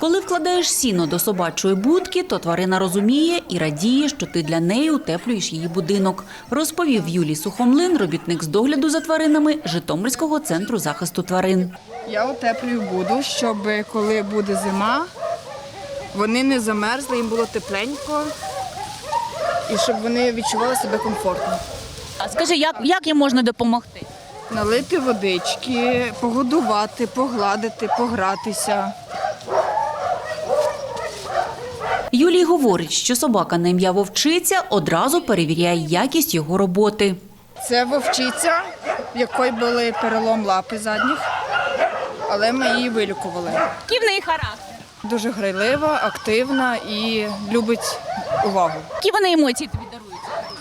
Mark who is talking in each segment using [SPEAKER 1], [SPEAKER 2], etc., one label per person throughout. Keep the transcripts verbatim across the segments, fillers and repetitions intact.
[SPEAKER 1] Коли вкладаєш сіно до собачої будки, то тварина розуміє і радіє, що ти для неї утеплюєш її будинок, розповів Юлій Сухомлин, робітник з догляду за тваринами Житомирського центру захисту тварин.
[SPEAKER 2] Я утеплюю буду, щоб коли буде зима, вони не замерзли, їм було тепленько і щоб вони відчували себе комфортно.
[SPEAKER 1] А скажи, як, як їм можна допомогти?
[SPEAKER 2] Налити водички, погодувати, погладити, погратися.
[SPEAKER 1] Юлій говорить, що собака на ім'я Вовчиця одразу перевіряє якість його роботи.
[SPEAKER 2] Це вовчиця, в якої були перелом лапи задніх, але ми її вилікували.
[SPEAKER 1] Який в неї характер?
[SPEAKER 2] Дуже грайлива, активна і любить увагу.
[SPEAKER 1] Які вони емоції тобі дарують?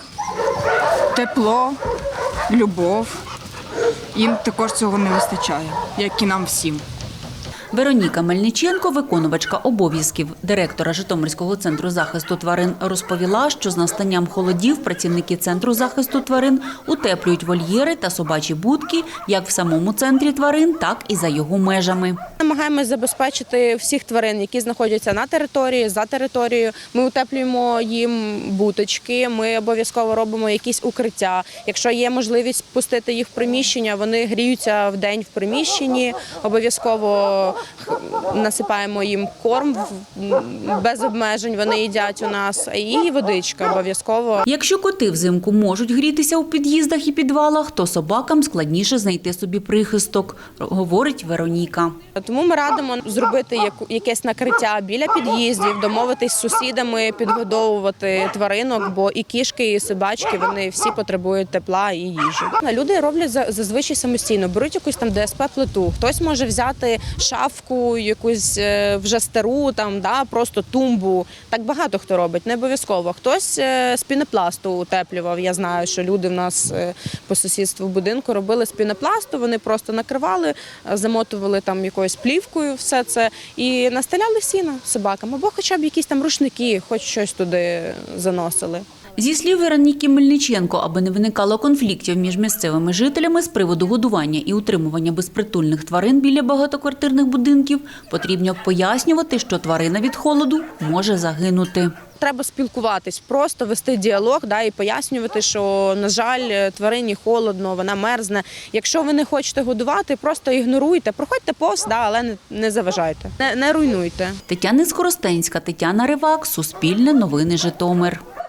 [SPEAKER 2] Тепло, любов. Їм також цього не вистачає, як і нам всім.
[SPEAKER 1] Вероніка Мельниченко, виконувачка обов'язків директора Житомирського центру захисту тварин, розповіла, що з настанням холодів працівники центру захисту тварин утеплюють вольєри та собачі будки як в самому центрі тварин, так і за його межами.
[SPEAKER 3] Намагаємося забезпечити всіх тварин, які знаходяться на території, за територією. Ми утеплюємо їм буточки, ми обов'язково робимо якісь укриття. Якщо є можливість пустити їх в приміщення, вони гріються вдень в приміщенні, обов'язково насипаємо їм корм без обмежень, вони їдять у нас, і водичка обов'язково.
[SPEAKER 1] Якщо коти взимку можуть грітися у під'їздах і підвалах, то собакам складніше знайти собі прихисток, говорить Вероніка.
[SPEAKER 3] Тому ми радимо зробити якесь накриття біля під'їздів, домовитись з сусідами, підгодовувати тваринок, бо і кішки, і собачки, вони всі потребують тепла і їжі. Люди роблять зазвичай самостійно, беруть якусь там де ес пе-плиту, хтось може взяти шафку, якусь вже стару, там, да, просто тумбу. Так багато хто робить, не обов'язково. Хтось з пінопласту утеплював. Я знаю, що люди в нас по сусідству будинку робили з пінопласту, вони просто накривали, замотували там якоюсь плівкою все це і настеляли сіно собакам, або хоча б якісь там рушники, хоч щось туди заносили.
[SPEAKER 1] Зі слів Вероніки Мельниченко, аби не виникало конфліктів між місцевими жителями з приводу годування і утримування безпритульних тварин біля багатоквартирних будинків, потрібно пояснювати, що тварина від холоду може загинути.
[SPEAKER 3] Треба спілкуватись, просто вести діалог, да, і пояснювати, що, на жаль, тварині холодно, вона мерзне. Якщо ви не хочете годувати, просто ігноруйте, проходьте повз, да, але не, не заважайте, не, не руйнуйте.
[SPEAKER 1] Тетяна Скоростенська, Тетяна Ривак, Суспільне новини Житомир.